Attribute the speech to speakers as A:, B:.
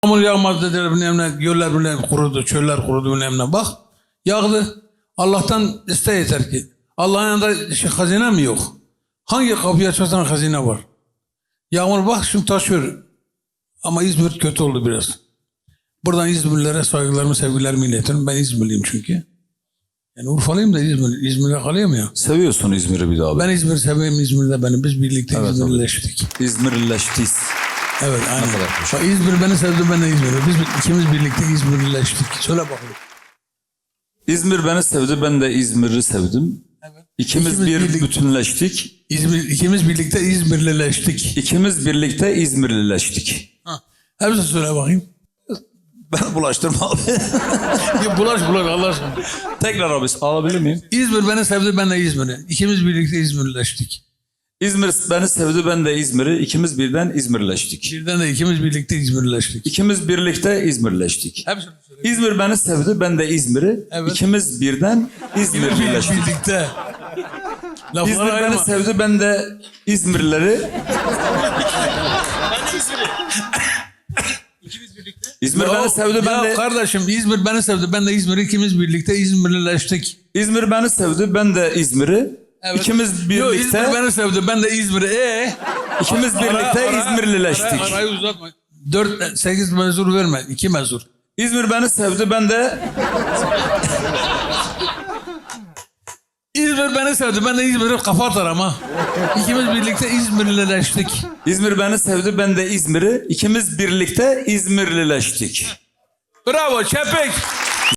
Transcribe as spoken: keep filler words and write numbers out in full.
A: Yağmur yağmaz dediler bilmem ne, göller bilmem kurudu, çöller kurudu bilmem ne. Bak yağdı. Allah'tan iste yeter ki. Allah'ın yanında şey, hazine mi yok? Hangi kapıyı açarsan hazine var. Yağmur bak şimdi taşıyor. Ama İzmir kötü oldu biraz. Buradan İzmirlilere saygılarımı, sevgilerimi iletiyorum. Ben İzmirliyim çünkü. Yani Urfalıyım da İzmir, İzmir'de kalayım ya.
B: Seviyorsun İzmir'i bir daha.
A: Ben İzmir'i seviyorum, İzmir'de benim. Biz birlikte
B: Evet,
A: İzmirlileştik.
B: İzmirlileştik.
A: Evet, aynen.
B: kadar
A: Bak, İzmir beni sevdi, ben de İzmir'i. Biz ikimiz birlikte İzmirlileştik. Söyle bakalım.
B: İzmir beni sevdi, ben de İzmir'i sevdim.
A: Evet.
B: İkimiz,
A: İkimiz
B: bir
A: birlik-
B: bütünleştik.
A: İzmir, ikimiz birlikte İzmirlileştik.
B: İkimiz birlikte İzmirlileştik.
A: Ha. Hepsini söyle bakayım.
B: Ben bulaştırma abi.
A: Ya bulaş bulaş Allah aşkına.
B: Tekrar abi alabilir miyim?
A: İzmir beni sevdi, ben de İzmir'i. İkimiz birlikte İzmirlileştik.
B: İzmir beni sevdi, ben de İzmir'i. İkimiz birden İzmirleştik.
A: Birden de ikimiz birlikte İzmirlileştik.
B: İkimiz birlikte İzmirleştik.
A: Hepsini söyle.
B: İzmir beni sevdi, ben de İzmir'i.
A: Evet.
B: İkimiz birden İzmirlileştik.
A: Birlikte. Lafları
B: İzmir beni
A: ayırma.
B: sevdi, ben de İzmirlileri. İzmir
A: Ya-
B: beni sevdi, ben
A: ya
B: de
A: kardeşim İzmir beni sevdi, ben de İzmir'i ikimiz birlikte İzmirlileştik.
B: İzmir beni sevdi, ben de İzmir'i.
A: Evet.
B: İkimiz
A: Yo,
B: birlikte
A: İzmir beni sevdi, ben de İzmir'i. Ee?
B: ikimiz birlikte İzmirlileştik.
A: Ara, arayı uzatma. Dört, sekiz mezur verme. iki mezur.
B: İzmir beni sevdi, ben de
A: İzmir beni sevdi, ben de İzmir'i kafa atarım ha. İkimiz birlikte İzmirlileştik.
B: İzmir beni sevdi, ben de İzmir'i. İkimiz birlikte İzmirlileştik.
A: Bravo Çepik.